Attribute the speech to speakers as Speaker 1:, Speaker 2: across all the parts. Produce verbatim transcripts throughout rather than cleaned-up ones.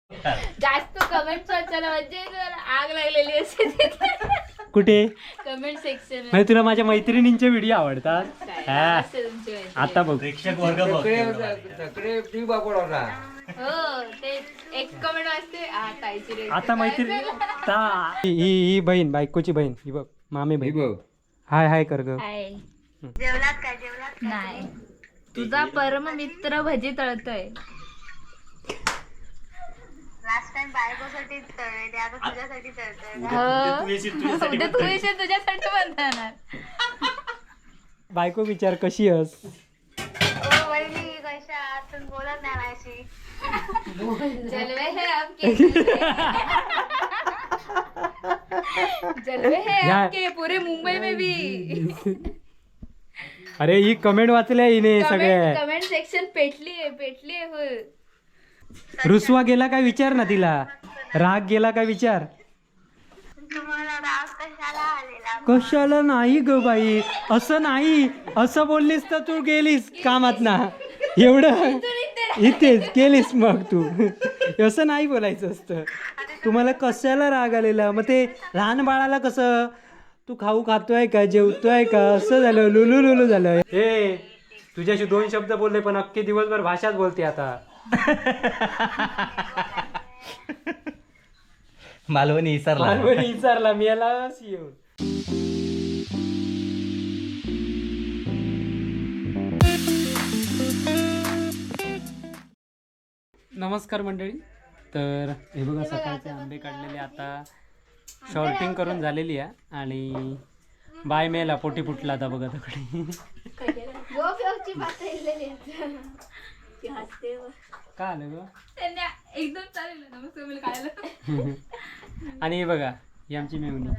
Speaker 1: जास्त कमेंट वाचायला म्हणजे आग लागलेली असते
Speaker 2: कुठे
Speaker 1: कमेंट सेक्शन
Speaker 2: म्हणजे तुला माझ्या मैत्रिणींचे व्हिडिओ आवडतात हा. आता बघ
Speaker 3: प्रेक्षक वर्ग बघ
Speaker 4: सगळे टी बापड होता.
Speaker 1: हो ते एक कमेंट वाचते आ, ताईची रेसिपी
Speaker 2: आता मैत्रिणी ता- ही ही ही बहीण बायकोची बहीण ही बघ मामे
Speaker 4: हे
Speaker 2: बहीण
Speaker 4: बघ
Speaker 2: हाय हाय कर ग
Speaker 1: आहे. नाही तुझा परम मित्र भजी तळतोय
Speaker 5: लास्ट टाइम बायकोसाठी तळले ते आता तुझ्यासाठी तळतोय का?
Speaker 1: हो.
Speaker 3: तू येशील तुझ्यासाठी
Speaker 1: उद्या तू येशील तुझ्यासाठी बनवणार
Speaker 2: बायको विचार कशी हस
Speaker 5: ओ वहिनी कशा आहात? तुम्ही बोलत नाही माझ्याशी.
Speaker 1: जलवे है आपके जलवे है
Speaker 2: या-
Speaker 1: आपके पूरे मुंबई में भी
Speaker 2: अरे ही कमेंट वाचल्या हिने सगळ्या
Speaker 1: कमेंट सेक्शन पेटली आहे पेटली आहे full.
Speaker 2: रुसवा गेला काय विचार ना तिला राग गेला काय विचार
Speaker 5: तुम्हाला राग कशाला आलेला?
Speaker 2: कशाला नाही ग बाई असं नाही असं बोललीस तर तू गेलीस कामात ना एवढं इथेच गेलीस मग तू असं नाही बोलायचं असतं तुम्हाला कशाला राग आलेला मग ते लहान बाळाला कसं तू खाऊ खातोय का जेवतोय का असं झालं लुलू लुलू झालं हे तुझ्याशी दोन शब्द बोलले पण अख्खे दिवसभर भाषाच बोलते आता
Speaker 3: मालवणी विसरला
Speaker 2: लहानपणी विचारला मी याला येऊन नमस्कार मंडळी तर हे बघा सकाळचे आंबे काढलेले आता शॉर्टिंग करून झालेली आहे आणि बाय मेला पोटी फुटला आता बघा तिकडे
Speaker 1: गोपियोगची बात राहिलेली आहे. ती हसते व.
Speaker 2: का आलं ग
Speaker 1: त्यांनी एकदम चालेल ना मग तुम्ही काढलं
Speaker 2: आणि हे बघा ही आमची मेवणी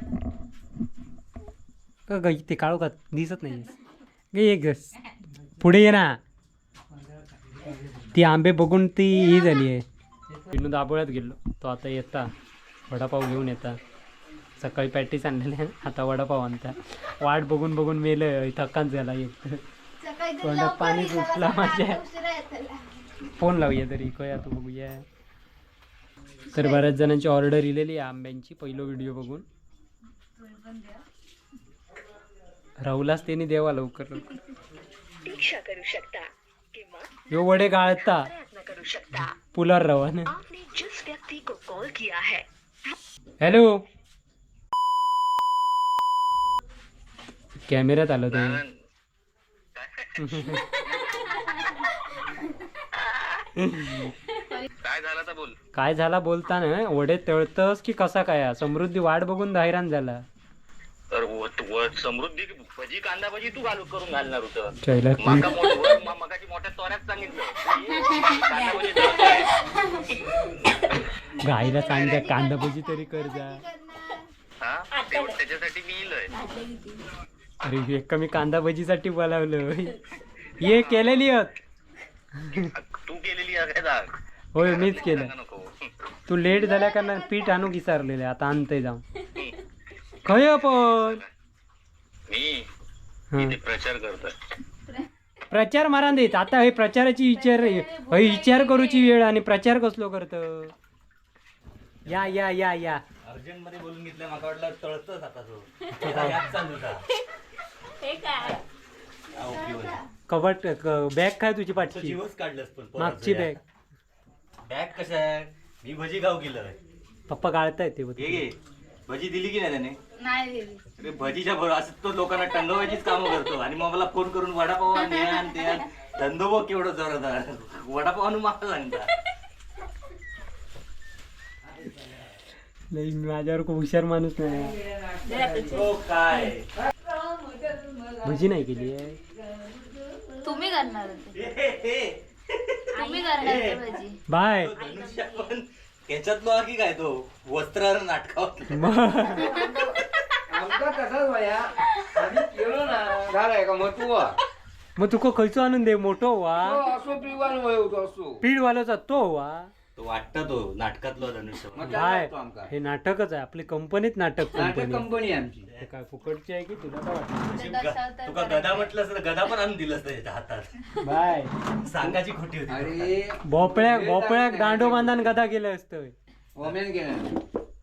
Speaker 2: का ग ते काळू का दिसत नाही गे एक गस पुढे ये ना ती आंबे बघून ती ही झाली आहे विनू दाबोळ्यात गेलो तो आता येता वडापाव घेऊन येता सकाळी पॅटीस आणलेले आता वडापाव आणता वाट बघून बघून मेलं थकान झाला एक
Speaker 1: सकाळी तर
Speaker 2: तोंडात
Speaker 1: लवकर
Speaker 2: पाणी
Speaker 1: निघाला
Speaker 2: सुटला
Speaker 1: तर
Speaker 2: माझ्या.
Speaker 1: आता उशिरा येताला.
Speaker 2: फोन लावूया तरी कया तू बघूया तर बऱ्याच जणांची ऑर्डर इलेली आहे आंब्यांची पहिलो व्हिडिओ बघून राहुलाच त्यांनी देवा लवकर लवकर
Speaker 6: प्रतीक्षा करू शकता किंवा
Speaker 2: यो वडे गाळता
Speaker 6: प्रयत्न करू शकता
Speaker 2: पुलार रवाना
Speaker 6: आपने जिस व्यक्ति को कॉल किया है
Speaker 2: हॅलो कॅमेऱ्यात आलो ते
Speaker 4: काय झालं तर बोल.
Speaker 2: काय झाला बोलताना वडे तळतस की कसा काय समृद्धी वाट बघून हैराण झाला
Speaker 4: तर व- व- समृद्धी भजी कांदा भजी तू घालू करून घालणार होतं.
Speaker 2: चैला
Speaker 4: माका मोठ- वर म- मगाची मोठ्या तोऱ्यात सांगितलं कांदा भजी तळतोय.
Speaker 2: गाईला सांग कांदा भजी तरी कर जा
Speaker 4: हा? तेवढं त्याच्यासाठी मी इलोय.
Speaker 2: अरे एक मी कांदा भजीसाठी बोलावलं ये केलेली आहेत
Speaker 4: तू केलेली आहे दाग.
Speaker 2: होय मीच केलं
Speaker 4: सांगा नको.
Speaker 2: तू लेट झाल्या कारण पीठ आणू विचारलेलं आता आणतंय जाऊन खय पण
Speaker 4: मी
Speaker 2: हा.
Speaker 4: इथे प्रचार करतोय.
Speaker 2: प्रचार मारा देत आता हे प्रचाराची विचार हे विचार करूची वेळ आणि प्रचार कसलो करत या या या या
Speaker 3: अर्जंट मध्ये बोलून घेतलं मला वाटलं तळतच आता तो याच चालू होता.
Speaker 1: हे काय
Speaker 3: हा, ओके बोल.
Speaker 2: कबट बॅग काय तुझी
Speaker 3: तो
Speaker 2: पाठची
Speaker 3: जीवच काढलंस पण परत
Speaker 2: मागची
Speaker 3: जरा.
Speaker 2: बॅग
Speaker 3: बॅग कशा आहे मी भजी गाव केलं
Speaker 2: पप्पा गाळताय ते
Speaker 3: हे घे भजी दिली की नाही त्याने
Speaker 1: नाही दिली
Speaker 3: अरे भजीच्या भर असं तो लोकांना टंगवायचीच कामं करतो आणि मग मला फोन करून वडापाव आण, हे आण ते आण धंदो बघ केवढं जोरात वडापाव आणून मला सांगता
Speaker 2: नाही माझ्यावर खूप हुशार माणूस नाही
Speaker 3: हो काय
Speaker 2: भजी नाही केली आहे
Speaker 1: तुम्ही करणार होते
Speaker 3: हे, हे, हे.
Speaker 1: तुम्ही करणार होते भजी
Speaker 2: बाय
Speaker 3: तो धनुष्य पण त्याच्यात बघा की काय तो वस्त्रावर नाटकावर
Speaker 2: मग
Speaker 4: आमचा तसाच वया आम्ही केलो ना झालाय का मग तू वा.
Speaker 2: मग तुका खयचो आणून दे मोठो वा
Speaker 4: हो, असो पिवान वय होतो असो.
Speaker 2: पीड वालोचा तो वा
Speaker 3: तो वाटतं तो नाटकातला धनुष्य
Speaker 2: काय हे नाटकच आहे आपली कंपनीत नाटक कंपनी
Speaker 7: कंपनी आमची
Speaker 2: हे काय फुकटची आहे की तुला काय वाटतं
Speaker 3: तुका गदा म्हटलं तर गदा पण आणून दिलं असतं त्याच्या हातात
Speaker 2: बाय
Speaker 3: सांगाची खोटी होती
Speaker 7: अरे
Speaker 2: भोपळ्याक भोपळ्याक दांडो बांधान गदा गेलं असतं
Speaker 7: ओम्यान गेला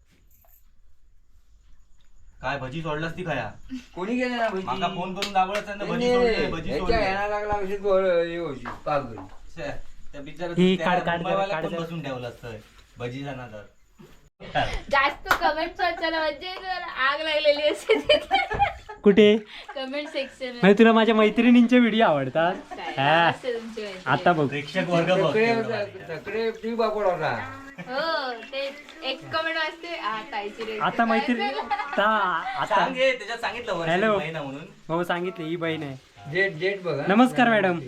Speaker 3: काय भजी सोडलास ती खाया
Speaker 7: कोणी गेले ना भजी
Speaker 3: माका फोन करून दाबळच ना भजी
Speaker 7: नाही,
Speaker 3: सोडली भजी
Speaker 7: ह्याच्या
Speaker 3: सोडली
Speaker 7: ह्याला लागला अशी गोळ हे होशी पागल
Speaker 3: छे, त्या बिचारा
Speaker 2: ही
Speaker 3: त्या
Speaker 2: काढ- काढ जरा,
Speaker 3: मुंबईवाल्यात
Speaker 2: काढ
Speaker 3: पण
Speaker 2: जरा.
Speaker 3: बसून ठेवलं असतं भजीचा नादात
Speaker 1: जास्त कमेंट वाचायला म्हणजे आग लागलेली असते
Speaker 2: कुठे
Speaker 1: कमेंट सेक्शन
Speaker 2: म्हणजे तुला माझ्या मैत्रिणींचे व्हिडिओ आवडतात हा. आता बघ
Speaker 3: प्रेक्षक वर्ग बघ
Speaker 7: सगळे
Speaker 3: केवढं भारी आहे.
Speaker 7: सगळे टी बापड होता
Speaker 1: हो ते एक कमेंट वाचते आ ताईची रेसिपी
Speaker 2: आता मैत्रिणी आता आता
Speaker 3: सांग हे, त्याच्यात सांगितलं वर्षाची
Speaker 2: हॅलो.
Speaker 3: महिना म्हणून
Speaker 2: हो सांगितले ही बहीण आहे
Speaker 7: जेट जेट बघा
Speaker 2: नमस्कार मॅडम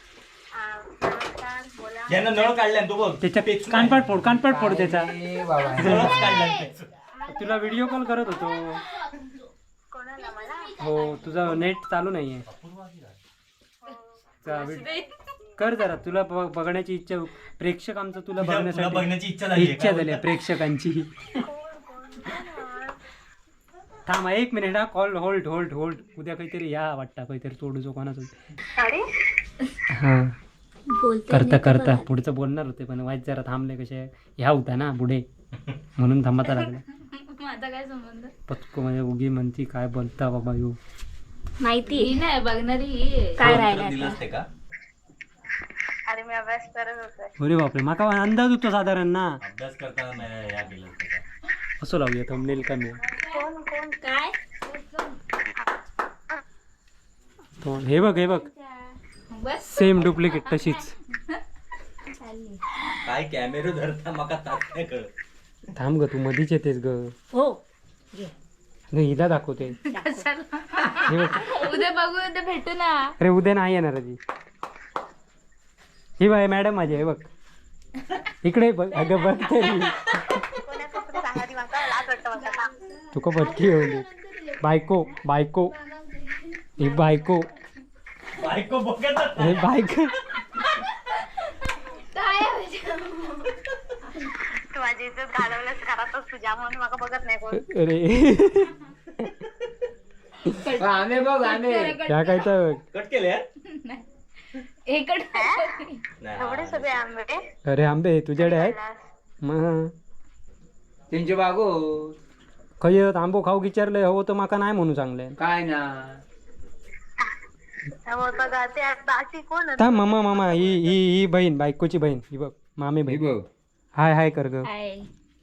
Speaker 3: ज्यानं नळ काढलाय तो बघ
Speaker 2: त्याच्या कानपाट फोड कानपाट फोड त्याचा
Speaker 7: ए बाबा
Speaker 3: नळच काढलाय त्याचं.
Speaker 2: तुला व्हिडिओ कॉल करत होतो
Speaker 5: कोणाला मला
Speaker 2: हो तुझा नेट चालू नाहीये चा व्हिड- कर जरा तुला ब- बघण्याची इच्छा प्रेक्षक आमचं तुला
Speaker 3: तुला- तुला
Speaker 2: बघण्यासाठी
Speaker 3: बघण्याची इच्छा झाली
Speaker 2: इच्छा झाली प्रेक्षकांची थांब एक मिनिट हा कॉल होल्ड होल्ड होल्ड उद्या काहीतरी या वाटतं काहीतरी तोडू कोणाचं हा करता करता पुढचं बोलणार होते पण वाईट जरा थांबले कसे ह्या होता ना पुढे म्हणून थांबता लागला
Speaker 1: माझा काय संबंध
Speaker 2: पचको म्हणजे उगी म्हणती काय बोलता बाबा यो
Speaker 1: माहिती नाही बघणारी
Speaker 3: काय राहिलं दिलं असते का
Speaker 5: अरे मी अभ्यास करत होते
Speaker 2: अरे बापरे माका अंदाज होतो साधारण ना
Speaker 3: अभ्यास करताना नाही या केलं असतं का?
Speaker 2: असं लावूया थंबनेल कमी
Speaker 5: कोण कोण
Speaker 1: काय
Speaker 2: तो हे बघ हे बघ
Speaker 1: बस
Speaker 2: सेम डुप्लिकेट तशीच
Speaker 3: काय कॅमेरा धरता मका तात नाही कळत
Speaker 2: थांब ग तू मधीच येतेस ग
Speaker 1: हो
Speaker 2: नाही, हिला दाखवते हे बघ.
Speaker 1: उद्या बघू उद्या भेटू ना
Speaker 2: अरे उद्या नाही येणार ती ही बाय मॅडम माझी हे बघ इकडे बघ अगं बघ तरी
Speaker 5: कोणाचं कुठे सांगा ती माका लाज वाटतं मला
Speaker 2: तुका पटकी होली बायको बायको ही बायको
Speaker 3: बायको बघत
Speaker 2: हे बायको
Speaker 5: तू माझी इज्जत घालवलंस घरातच तुझ्या म्हणून माका बघत नाही कोण
Speaker 2: अरे
Speaker 7: आम्ही बघ आम्ही
Speaker 2: त्या काय तर
Speaker 3: कट केले
Speaker 1: इकडे
Speaker 5: एवढे सगळे आंबे
Speaker 2: अरे आंबे तुझ्याकडे आहेत मग
Speaker 7: त्यांचे बागो
Speaker 2: खय आंबो खाऊ विचारलंय हवं तर माका नाही म्हणू चांगलंय
Speaker 7: काय ना
Speaker 5: होतं का ते बाकी कोण होतं?
Speaker 2: थांब मामा मामा ही ही ही बहीण बायकोची बहीण ही बघ मामे
Speaker 7: हे
Speaker 2: बहीण
Speaker 7: बघ
Speaker 2: हाय हाय कर ग
Speaker 5: हाय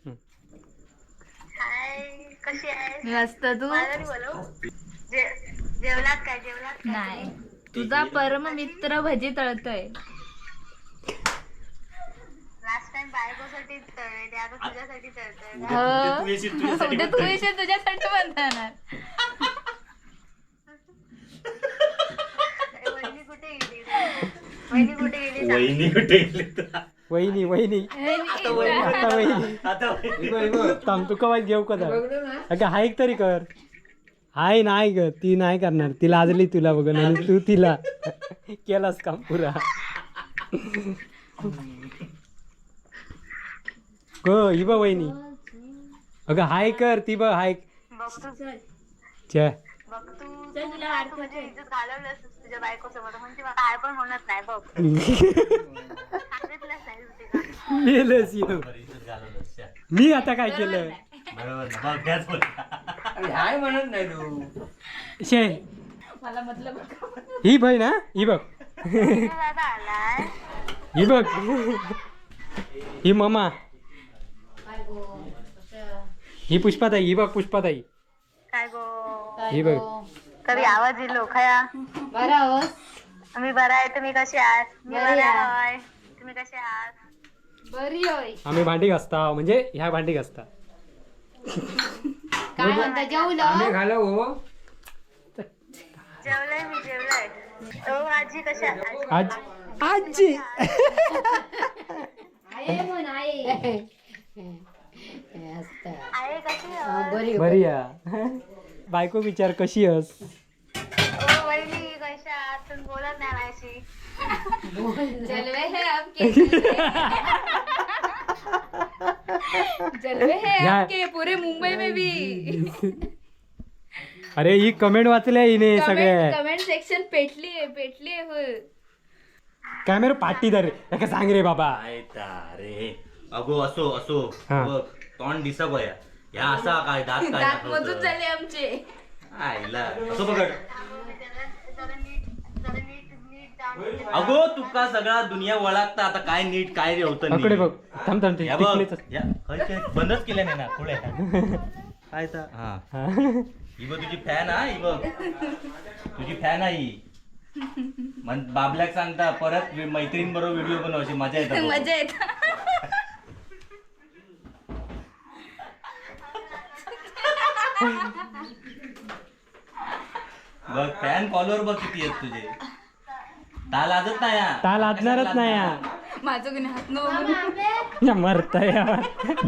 Speaker 5: कशी आहे
Speaker 1: मस्त तू
Speaker 5: मला नाही बोलव जे- जेवलात काय जेवलात काय?
Speaker 1: नाही तुझा परम मित्र भजी तळतोय
Speaker 5: लास्ट टाइम बायकोसाठी तळले ते आता तुझ्यासाठी तळतोय
Speaker 1: हो
Speaker 3: तू येशील तुझ्यासाठी
Speaker 1: उद्या तू येशील तुझ्यासाठी म्हणणार
Speaker 5: वहिनी कुठे गेली वहिनी कुठे गेली सांग.
Speaker 3: वहिनी कुठे गेली तर?
Speaker 2: वहिनी वहिनी आता वहिनी
Speaker 3: आता
Speaker 7: हे बघ, हे बघ.
Speaker 2: थांब तू कवाय घेऊ का जरा?
Speaker 7: बघलं ना
Speaker 2: अगं हाय तरी कर हाय नाही ग ती नाही करणार ती लाजली तुला बघून आणि तू तिला केलास काम पुरा ग ही बघ वहिनी अगं हाय कर ती बघ हाय
Speaker 5: बघ तू
Speaker 2: च्या
Speaker 5: बघ तू तू माझी इज्जत घालवलंस तुझ्या बायकोसमोर म्हणजे मला काय पण होणार नाही बघ सांगितलंच नाही तू तिला.
Speaker 2: मेलंच ह्यो.
Speaker 3: इज्जत घालवलंस, छ्या.
Speaker 2: मी आता काय केलं
Speaker 3: बरोबर ना बघ त्याच बोलला.
Speaker 7: अरे हाय म्हणत नाही तू
Speaker 2: शे
Speaker 1: मला मतलब
Speaker 2: ही बहीण ना ही बघ
Speaker 5: तू दादा आलाय
Speaker 2: ही बघ ही ममा ही पुष्पाताई ही बघ पुष्पाताई
Speaker 5: काय गो
Speaker 2: ही बघ
Speaker 5: कधी आवाज येलो खया
Speaker 1: बरं हो
Speaker 5: मी बरा आहे तुम्ही कसे आहात मी बरा आहे तुम्ही कसे आहात
Speaker 1: बरी होय
Speaker 2: आम्ही भांडी घासता म्हणजे ह्या भांडी घासता
Speaker 1: काय म्हणता जेवलं
Speaker 7: आम्ही घालव हो
Speaker 5: जेवलंय मी जेवलंय तो आजी कशी आहे
Speaker 2: आज आजी
Speaker 1: आहे म्हण आहे
Speaker 5: आहे कशी आहे?
Speaker 2: बरी या बायको विचार कशी अस
Speaker 5: ओ वहिनी कशा आहात तुम्ही बोलत नाही माझ्याशी
Speaker 1: चलवे है आपके जलवे हैं
Speaker 2: या-
Speaker 1: आपके पूरे मुंबई में भी.
Speaker 2: अरे ही कमेंट वाचल्या हिने सगळे
Speaker 1: कमेंट सेक्शन पेटली आहे पेटली आहे फुल.
Speaker 2: कॅमेरा पाटीदार काय सांग रे बाबा.
Speaker 3: काय रे अगो असो असो
Speaker 2: हा.
Speaker 3: बघ तोंड दिसा बया ह्या असा काय दात काय
Speaker 1: दात
Speaker 3: दाखवतं?
Speaker 1: मजूत झाले आमचे.
Speaker 3: आईला असं बघ
Speaker 5: जरा नीट जरा नीट नीट जाऊन
Speaker 3: अगो तुका सगळा दुनिया वळागता आता काय नीट काय रे होतं
Speaker 2: अकडे
Speaker 3: नीट?
Speaker 2: बघ थांब थांब ते
Speaker 3: या बघ
Speaker 2: टिकलीच.
Speaker 3: या खय काय बंदच केलं नाही ना पुढे काय तर हा
Speaker 2: हा.
Speaker 3: ही बघ तुझी फॅन हा ही बघ तुझी फॅन आहे ही मन बाबल्याक सांगता परत मैत्रीण बरोबर व्हिडिओ बनवायची मजा येते
Speaker 1: मजा येत.
Speaker 3: बघ फॅन फॉलोअर बघ किती आहेत तुझे ता लाजत नाही हा.
Speaker 2: ता लाजणारच नाही हा.
Speaker 1: माझं कोणी हात नो
Speaker 2: या मरता यार.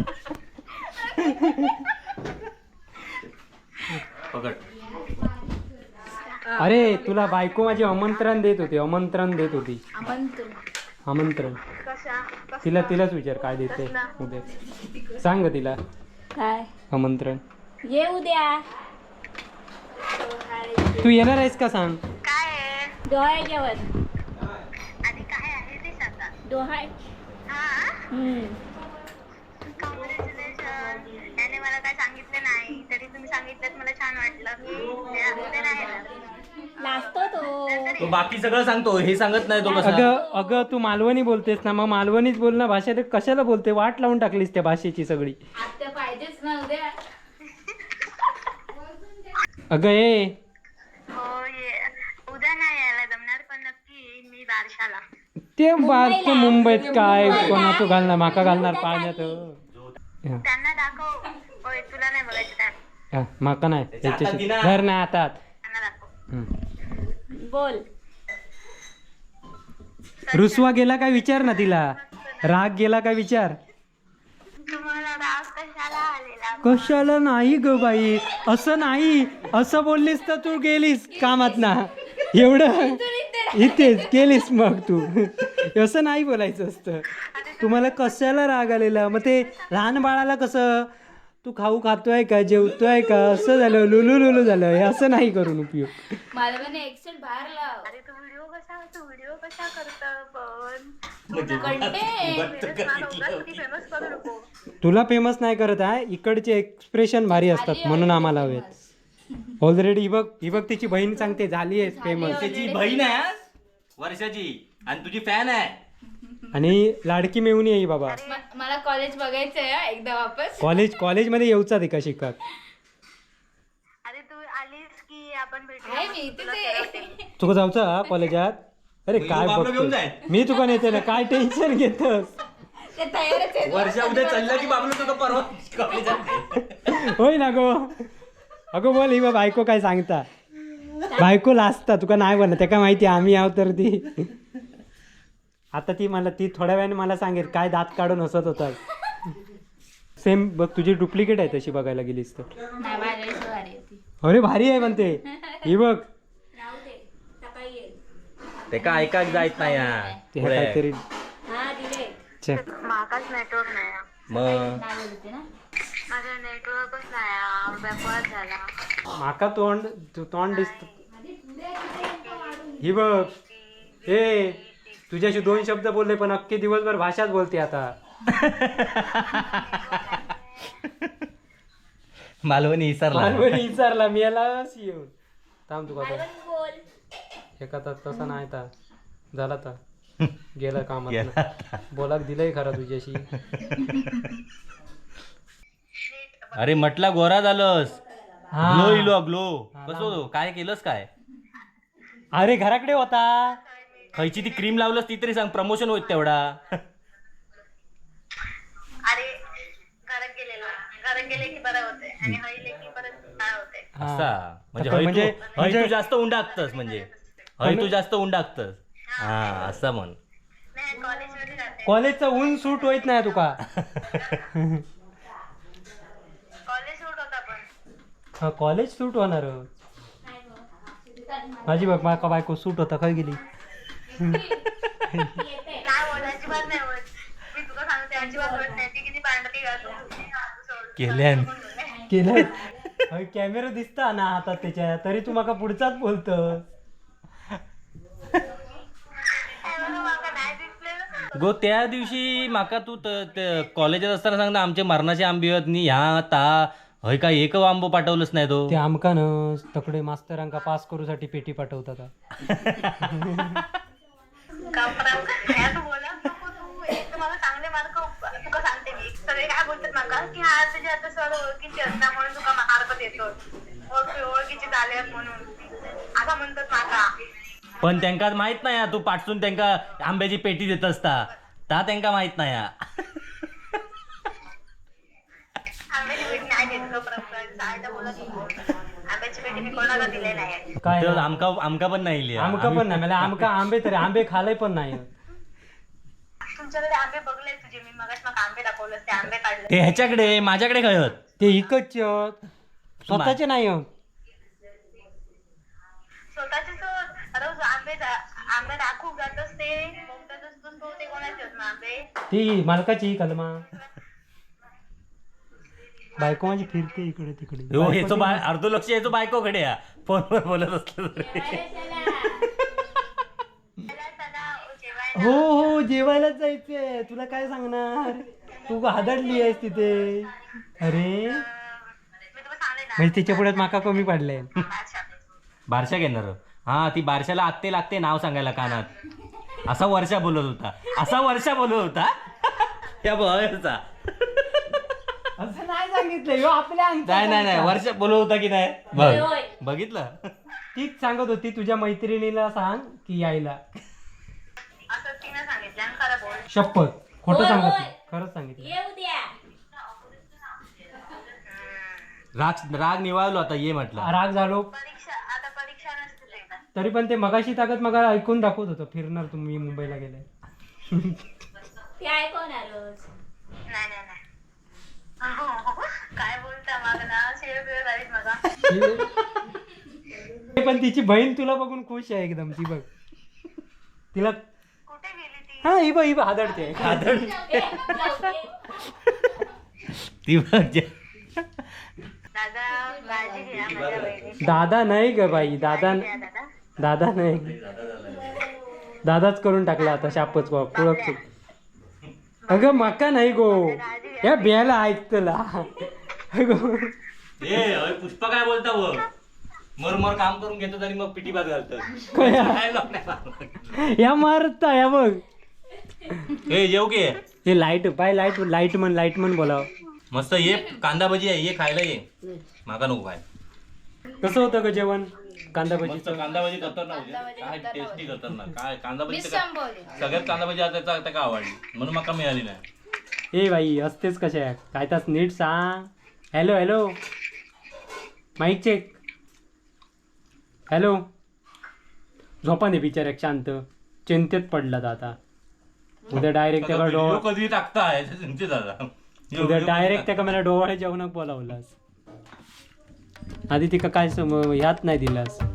Speaker 3: पकड
Speaker 2: अरे तुला बायको माझी आमंत्रण देत होती आमंत्रण देत होती
Speaker 1: आमंत्रण.
Speaker 2: आमंत्रण
Speaker 5: कशा
Speaker 2: तिला तिलाच विचार काय देते उद्या सांग ग तिला
Speaker 1: काय
Speaker 2: आमंत्रण.
Speaker 1: ये उद्या.
Speaker 2: तू येणार आहेस का सांग.
Speaker 5: काय आहे
Speaker 1: डोहाळे जेवण.
Speaker 5: आणि काय आहे ते सांगा.
Speaker 1: डोहाळे.
Speaker 5: हा
Speaker 1: हम्म.
Speaker 5: कॉंग्रॅच्युलेशन. त्याने मला काय सांगितलं नाही तरी तुम्ही सांगितलं मला छान वाटलं. मी उद्या नाही येणार.
Speaker 1: लाजतो तो.
Speaker 3: तो बाकी सगळं सांगतो हे सांगत नाही तो कसा
Speaker 2: अगं अगं तू मालवणी बोलतेस ना मग मालवणीच बोल ना भाषा ते कशाला बोलते वाट लावून टाकलीस त्या भाषेची सगळी.
Speaker 1: आत्या पाहिजेच ना उद्या.
Speaker 2: अगं ए
Speaker 5: हो ये उद्या नाही यायला जमणार पण नक्की येईन मी बारशाला.
Speaker 2: ते बार मुंबईत काय कोणाचं घालणार माका घालणार पाण्यात. हा.
Speaker 5: त्यांना दाखव. होय तुला नाही बघायचं त्या
Speaker 2: हा, माका नाही
Speaker 3: त्याच्या हातात
Speaker 2: त्याच्याशी
Speaker 3: दिना.
Speaker 2: धर नाही हातात.
Speaker 5: त्यांना दाखव.
Speaker 2: हम्म.
Speaker 1: बोल.
Speaker 2: रुसवा गेला काय विचार ना तिला. राग गेला काय विचार.
Speaker 5: तुम्हाला राग कशाला आलेला.
Speaker 2: कशाला नाही ग बाई असं नाही असं बोललीस तर तू गेलीस कामात ना एवढं इथेच गेलीस मग तू. असं नाही बोलायचं असतं. तुम्हाला कशाला राग आलेला मग ते लहान बाळाला कसं तू खाऊ खातोय का जेवतोय का असं झालं लुलू लुलू झालं हे असं नाही करून उपयोग.
Speaker 1: मला म्हणे एक्सेल बाहेर लाव.
Speaker 5: अरे तू व्हिडिओ कसा तू व्हिडिओ कसा करता पण
Speaker 3: म्हणजे
Speaker 5: फेमस करू नको.
Speaker 2: तुला फेमस नाही करत आहे इकडचे एक्सप्रेशन भारी असतात म्हणून आम्हाला हवेत. ऑलरेडी ही बघ ही बघ तिची बहीण सांगते झाली आहे फेमस
Speaker 3: त्याची बहीण आहे हा? वर्षाची आणि तुझी फॅन आहे
Speaker 2: आणि लाडकी मेवणी आहे ही बाबा.
Speaker 1: म- मला कॉलेज बघायचंय हा, एकदा वापस.
Speaker 2: कॉलेज कॉलेजमध्ये येऊचा ते का शिकत.
Speaker 5: अरे तू आलीस की आपण
Speaker 1: आहे मी
Speaker 5: भेटू.
Speaker 1: इथेच आहे.
Speaker 2: तुका जाऊचा हा कॉलेजात. अरे
Speaker 3: मग
Speaker 2: काय
Speaker 3: ह्यो बाबलो घेऊन
Speaker 2: बघतो
Speaker 3: जाय.
Speaker 2: मी तुका नेते ना काय टेन्शन घेतोस.
Speaker 1: ते तयारच आहे.
Speaker 3: वर्षा उद्या चाललं की बाबलो तुझं परवा कॉलेजात
Speaker 2: होय ना गो. अगो बोल ही बा बायको काय सांगता बायको लाजता तुका नाही बोलला त्या काय माहिती आम्ही आहोत तर ती. आता ती मला ती थोड्या वेळाने मला सांगेल काय दात काढून हसत होता. सेम बघ तुझी डुप्लिकेट आहे तशी बघायला गेलीस तर.
Speaker 1: नाही माझ्यापेक्षा भारी होती.
Speaker 2: अरे भारी आहे म्हणते ही बघ.
Speaker 1: राहू दे सकाळी येईल.
Speaker 3: ते का ऐकाक जायत नाही
Speaker 2: ते
Speaker 3: हा.
Speaker 2: काहीतरी
Speaker 1: हा दिले.
Speaker 2: check.
Speaker 5: माकाच नेटवर्क नाही आहे.
Speaker 3: मग
Speaker 1: नाही बोलते ना.
Speaker 5: माझा नेटवर्कच नाही बॅकवर्ड झाला.
Speaker 2: माका तोंड तू तोंड दिसत ही बघ. ए तुझ्याशी दोन शब्द बोलले पण अख्खे दिवसभर भाषाच बोलते आता.
Speaker 3: मालवणी इसरला
Speaker 2: मालवणी विचारला मी यालाच येऊन थांब तुका आता.
Speaker 1: बोल.
Speaker 2: एका तास तसा नाही आता झाला आता गेला कामात बोलाक दिलंय खरा तुझ्याशी.
Speaker 3: अरे म्हटला गोरा झालंस
Speaker 2: हा.
Speaker 3: ग्लो इलो ग्लो कसं काय केलंस काय
Speaker 2: अरे घराकडे होता.
Speaker 3: खयची ती क्रीम लावलंस ती तरी सांग प्रमोशन होत तेवढा.
Speaker 5: अरे घरात गेलेला घरात गेले की बरं होते आणि हळीले की परत काय होते.
Speaker 2: हा.
Speaker 3: असा म्हणजे
Speaker 2: आता
Speaker 3: हय
Speaker 2: म्हणजे-
Speaker 3: तू- हय
Speaker 2: म्हणजे-
Speaker 3: तू जास्त उंडाकतस म्हणजे हय तू जास्त उंडाकतस हा असं म्हण.
Speaker 5: नाही कॉलेजमध्ये जाते.
Speaker 2: कॉलेजचा ऊन सूट होत नाही तुका.
Speaker 5: कॉलेज सूट होता पण
Speaker 2: हा कॉलेज सूट होणार. माझी बघ माका बायको सूट होता काय गेली.
Speaker 5: काय बोल अजिबात नाही होत. मी तुला सांगते अजिबात होत नाही. ती किती
Speaker 3: केल्यान
Speaker 2: केलं कॅमेरा दिसता ना हातात त्याच्या, तरी तू माका पुढचाच बोलतो.
Speaker 3: गो त्या दिवशी माका तू कॉलेजात असताना सांग ना आमचे मरणाचे आंबे आहेत नी ह्या ता हय काय एक आंबो पाठवलंच नाही तो.
Speaker 2: ते आमका न तकडे मास्तरांका पास करूसाठी पेटी पाठवतात.
Speaker 5: मला चांगले मार्क तुका सांगते मी. सगळे काय बोलतात माका की हा तुझे आता सर ओळखीचे असणार म्हणून तुका मार्क देतो, ओळखीचे झाले म्हणून आता म्हणतात माका.
Speaker 3: पण त्यांका माहित नाही हा, तू पाठसून त्यांका आंब्याची पेटी देत असता ता त्यांका माहित नाही हा.
Speaker 5: आंब्याची पेटी नाही देत शाळेत बोलत होतो. आंब्याची पेटी मी कोणाला दिले नाही.
Speaker 2: काय
Speaker 3: तर आमका आमका पण नाही लिहा.
Speaker 2: आमका पण नाही मला आमका आंबे तरी आंबे खालाय पण नाही.
Speaker 5: तुमच्याकडे आंबे बघले तुझे मी मगाच मग आंबे दाखवलं ते आंबे काढले.
Speaker 3: ते ह्याच्याकडे माझ्याकडे काय होत
Speaker 2: ते इकच स्वतःचे नाही आहेत.
Speaker 5: स्वतःचे रोज आंबे आंबे राखून जातच ते मोठ्यातच तो ते कोणाचे आहेत मग आंबे.
Speaker 2: ती मालकाची कलमा बायको माझी फिरते इकडे तिकडे.
Speaker 3: हो याचो बाय अर्ध लक्ष याचो बायकोकडे या फोनवर बोलत असलं तरी.
Speaker 2: हो हो जेवायलाच जायचंय. तुला काय सांगणार, तू हादडली आहेस तिथे. अरे
Speaker 5: मी तुला सांगले ना
Speaker 2: म्हणजे तिच्या पुढ्यात माका कमी पडलंय.
Speaker 3: बारशा घेणार हा ती बारशाला आत्ते लागते नाव सांगायला कानात. असा वर्षा बोलत होता असा वर्षा बोलत होता त्या बघायचा.
Speaker 2: असं नाही सांगितलं ह्यो आपल्या अंगठ्यात
Speaker 3: नाही नाही नाही
Speaker 2: सांगता.
Speaker 3: वर्षा बोलत होता की नाही बघ बघितलं.
Speaker 2: तीच सांगत होती तुझ्या मैत्रिणीला सांग की यायला.
Speaker 5: असं तिने सांगितलं आणि खरं बोल.
Speaker 2: शपथ खोटं सांगत नाही, खरंच सांगितलं.
Speaker 3: राग राग निवाळलो आता ये म्हटलं.
Speaker 2: राग झालो
Speaker 5: परीक्षा आता परीक्षा नसते ते.
Speaker 2: तरी पण ते मगाशी ताकद मगा ऐकून दाखवत होतं फिरणार तुम्ही मुंबईला गेलाय.
Speaker 5: नाही नाही नाही हो, हो. काय बोलता माग ना शेळ बिळ झालीत माझा.
Speaker 2: पण तिची बहीण तुला बघून खुश आहे एकदम. ती बघ तिला
Speaker 5: कुठे गेली ती.
Speaker 2: हा ही बघ ही बघ हादडते.
Speaker 3: ती बघ जे-
Speaker 5: दादा काळजी घ्या माझ्या बहिणी.
Speaker 2: दादा नाही ग बाई, दादा
Speaker 5: दादा
Speaker 2: दादा नाही, दादाच करून टाकला आता शापच ओळख. अगं मका नाही गो या बियाला ऐकतला. अगं
Speaker 3: ए अय पुष्पा काय बोलता व मर मर काम करून घेतो आणि मग पिटी भात घालतो.
Speaker 2: कया?
Speaker 3: काय लावून नाही मारत.
Speaker 2: या मारता या बघ.
Speaker 3: ए येऊ की
Speaker 2: हे लाईट पाय लाईट लाईट म्हण लाईट म्हण बोलाव.
Speaker 3: मस्त ये कांदा भजी आहे ये खायला ये. माका नको काय
Speaker 2: कसं होतं ग जेवण कांदा
Speaker 3: मस्त
Speaker 2: भजीचं.
Speaker 3: कांदा भजी खतरनाक होते. काय टेस्टी खतरनाक काय कांदा भजी तर
Speaker 1: विसंबोली.
Speaker 3: काय- सगळ्यात कांदा भजी आता आता का आवडली म्हणून माका मिळाली नाही.
Speaker 2: ए बाई असतेच कशा आहे काय तास नीट सांग. Hello hello mic check. Hello झोपा नाही बिचाऱ्या शांत चिंतेत पडला आता. उद्या डायरेक्ट त्याला
Speaker 3: व्हिडिओ
Speaker 2: डोळ
Speaker 3: कधी टाकताय तुमचे दादा
Speaker 2: उद्या डायरेक्ट त्याका मला डोळे जेवणाक बोलावलास. आधी तिका काय सम ह्यात नाही दिलास.